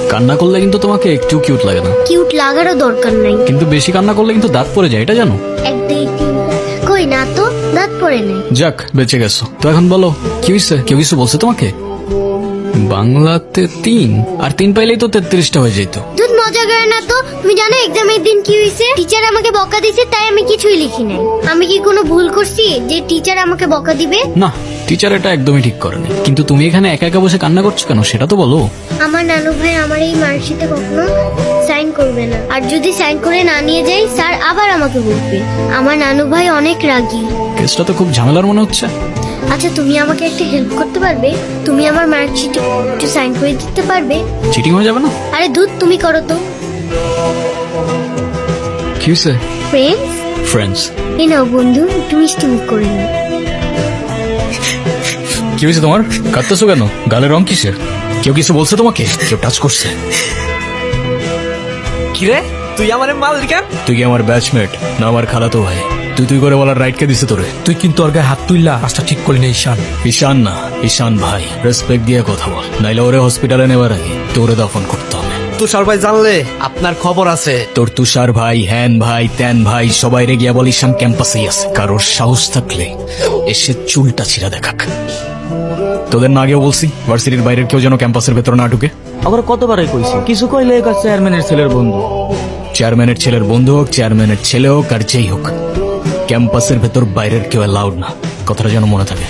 কান্না করলে কিন্তু তোমাকে একটু কিউট লাগে না, কিউট লাগারও দরকার নাই। কিন্তু বেশি কান্না করলে কিন্তু দাঁত পড়ে যায়, এটা জানো? এক দুই তিন, কই না তো, দাঁত পড়ে নাই। যাক, বেঁচে গেছো তো। এখন বলো কি হয়েছে? কেউ কিছু বলছে তোমাকে? বাংলাতে 3 আর 3 পাইলেই তো 33টা হয়ে যেত। দুধ মজা করে না তো। তুমি জানো এক্সামের দিন কি হয়েছে? টিচার আমাকে বকা দিয়েছে, তাই আমি কিছুই লিখি নাই। আমি কি কোনো ভুল করছি যে টিচার আমাকে বকা দিবে? না, টিচার এটা একদমই ঠিক করেনি। কিন্তু তুমি এখানে একা একা বসে কান্না করছো কেন সেটা তো বলো। আমার নানু ভাই আমার এই মার্কশিটে কখনো সাইন করবে না, আর যদি সাইন করে না নিয়ে যাই স্যার আবার আমাকে বলবে। আমার নানু ভাই অনেক রাগী। কেসটা তো খুব ঝামেলার মনে হচ্ছে। আচ্ছা, তুমি আমাকে একটা হেল্প করতে পারবে? তুমি আমার মার্কশিটে একটু সাইন করে দিতে পারবে? চিটিং হয়ে যাবে না? আরে দুধ, তুমি করো তো। কি হয়েছে? Friends, friends? এই নাও বন্ধু, একটু মিষ্টি মুখ করে নিও। কি হয়েছে তোমার? কাঁদতেছো কেন? গালের রং কিসের? কেউ কিছু বলছে তোমাকে? কেউ টাচ করছে? কিরে, তুই আমার মাল কেন? তুই কি আমার ব্যাচমেট না আমার খালাতো ভাই? তুই করে বলার রাইট কে দিছে তোরে? তুই কিন্তু ওর গায়ে হাত তুললা, কাজটা ঠিক করলি না ঈশান। ঈশান না, ঈশান ভাই। রেসপেক্ট দিয়ে কথা বল, নাইলে ওরে হসপিটালে নেবার আগে তোরে দাফন করতে হবে। তুষার ভাই জানলে আপনার খবর আছে। তোর তুষার ভাই, হ্যান ভাই, ত্যান ভাই, সবাই রে গিয়া বল ঈশান ক্যাম্পাসেই আছে। কারোর সাহস থাকলে এসে চুলটা ছিঁড়া দেখাক। তোদের না আগেও বলছি ভার্সিটির বাইরের কেউ যেন ক্যাম্পাসের ভেতর না ঢুকে। আবার কতবারই কইছি, কিছু কইলে চেয়ারম্যানের ছেলের বন্ধু। চেয়ারম্যানের ছেলের বন্ধু হোক, চেয়ারম্যানের ছেলে হোক, আর যেই হোক, ক্যাম্পাসের ভেতর বাইরের কেউ অ্যালাউড না। কথাটা যেন মনে থাকে।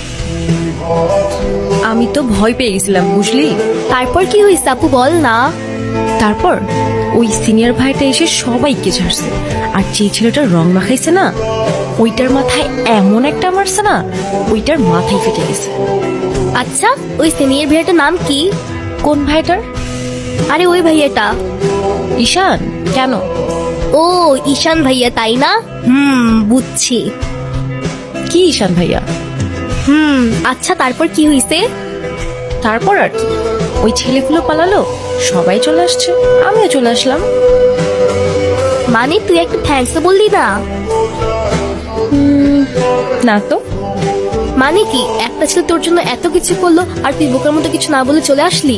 আমি তো ভয় পেয়ে গেছিলাম, বুঝলি? তারপর কি হয়েছে আপু, বল না। তারপর ওই সিনিয়র ভাইটা এসে সবাইকে ছাড়ছে, আর যে ছেলেটার রং মাখাইছে না, ওইটার মাথায় এমন একটা মারছে না, ওইটার মাথায় ফেটে গেছে। আচ্ছা, ওই সিনিয়র ভাইয়াটার নাম কি? কোন ভাইটার? আরে ওই ভাইয়াটা। ঈশান? কেন? ও ঈশান ভাইয়া, তাই না? বুঝছি। কি ঈশান ভাইয়া? আচ্ছা, তারপর কি হয়েছে? তারপর আর কি, ওই ছেলেগুলো পালালো, সবাই চলে আসছে, আমিও চলে আসলাম। মানে তুই একটা থ্যাঙ্কস বললি না? না তো। মানে কি, একটা ছেলে তোর জন্য এত কিছু করলো আর তুই বোকার মতো কিছু না বলে চলে আসলি?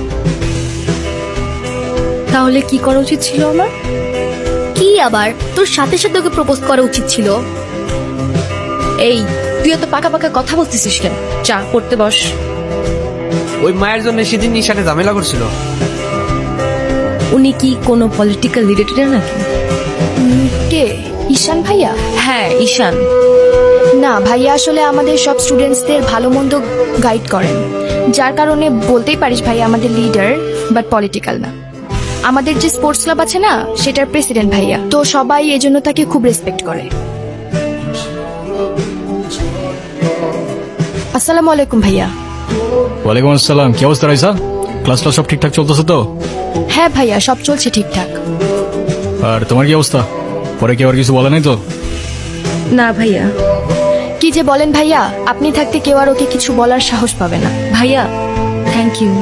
তাহলে কি করা উচিত ছিল আমার? কি আবার, তোর সাথে সাথে ওকে প্রপোজ করা উচিত ছিল। এই, তুই এত পাকা পাকা কথা বলতেছিস কেন? চা পড়তে বস। ওই মায়ের জন্য সেদিন ঈশানে ঝামেলা করছিল। উনি কি কোনো পলিটিক্যাল রিলেটেড নাকি? কে? ঈশান ভাইয়া? হ্যাঁ, ঈশান। না ভাইয়া, আসলে আমাদের সব স্টুডেন্টসদের ভালো মন্দ গাইড করেন, যার কারণে বলতেই পারিস ভাইয়া আমাদের লিডার, বাট পলিটিক্যাল না। আমাদের যে স্পোর্টস ক্লাব আছে না, সেটার প্রেসিডেন্ট ভাইয়া, তো সবাই এজন্য তাকে খুব রেসপেক্ট করে। আসসালামু আলাইকুম ভাইয়া। ওয়ালাইকুম আসসালাম। কি অবস্থা রাইসা? ক্লাসটা সব ঠিকঠাক চলতেছে তো? হ্যাঁ ভাইয়া, সব চলছে ঠিকঠাক। আর তোমার কি অবস্থা? পরে কেউ আর কিছু বলে নাই তো? না ভাইয়া। কি যে বলেন ভাইয়া, আপনি থাকতে কেউ আর ওকে কিছু বলার সাহস পাবে না। ভাইয়া, থ্যাংক ইউ।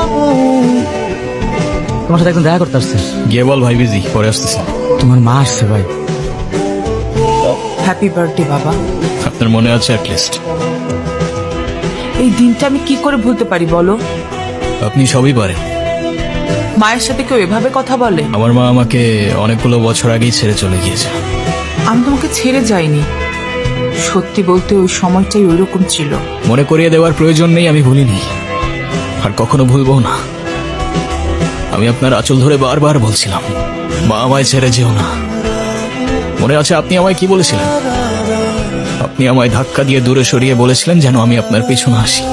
তোমার সাথে একদম দেখা করতে আসছে। গিয়ে বল ভাই বিজি, পরে আসতেছি। তোমার মা আসছে ভাই। হ্যাপি বার্থডে বাবা। আপনার মনে আছে অ্যাটলিস্ট? এই দিনটা আমি কি করে ভুলতে পারি বলো? আপনি সবই পারেন। মায়ের সাথে কেউ এভাবে কথা বলে? আমার মা আমাকে অনেকগুলো বছর আগেই ছেড়ে চলে গিয়েছে। আমি তোমাকে ছেড়ে যাইনি, সত্যি বলতে ওই সময়টাই ওইরকম ছিল। মনে করিয়ে দেওয়ার প্রয়োজন নেই, আমি ভুলিনি আর কখনো ভুলবো না। আমি আপনার আঁচল ধরে বারবার বলছিলাম, মা আমায় ছেড়ে যেও না। মনে আছে আপনি আমায় কি বলেছিলেন? আপনি আমায় ধাক্কা দিয়ে দূরে সরিয়ে বলেছিলেন যেন আমি আপনার পেছনে আসি।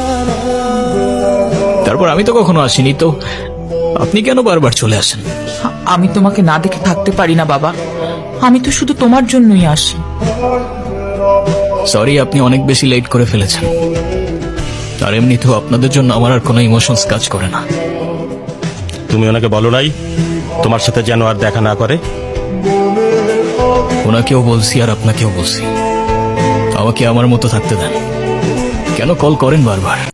তারপর আমি তো কখনো আসিনি, তো আপনি কেন বারবার চলে আসেন? আমি তোমাকে না দেখে থাকতে পারি না বাবা, আমি তো শুধু তোমার জন্যই আসি। সরি, আপনি অনেক বেশি লেট করে ফেলেছেন। আর এমনিতেও আপনাদের জন্য আমার আর কোনো ইমোশনস কাজ করে না। তুমি ওনাকে বলো নাই তোমার সাথে যেন আর দেখা না করে? ওনাকেও বলছি আর আপনাকেও বলছি, আমাকে আমার মতো থাকতে দেন। কেন কল করেন বারবার?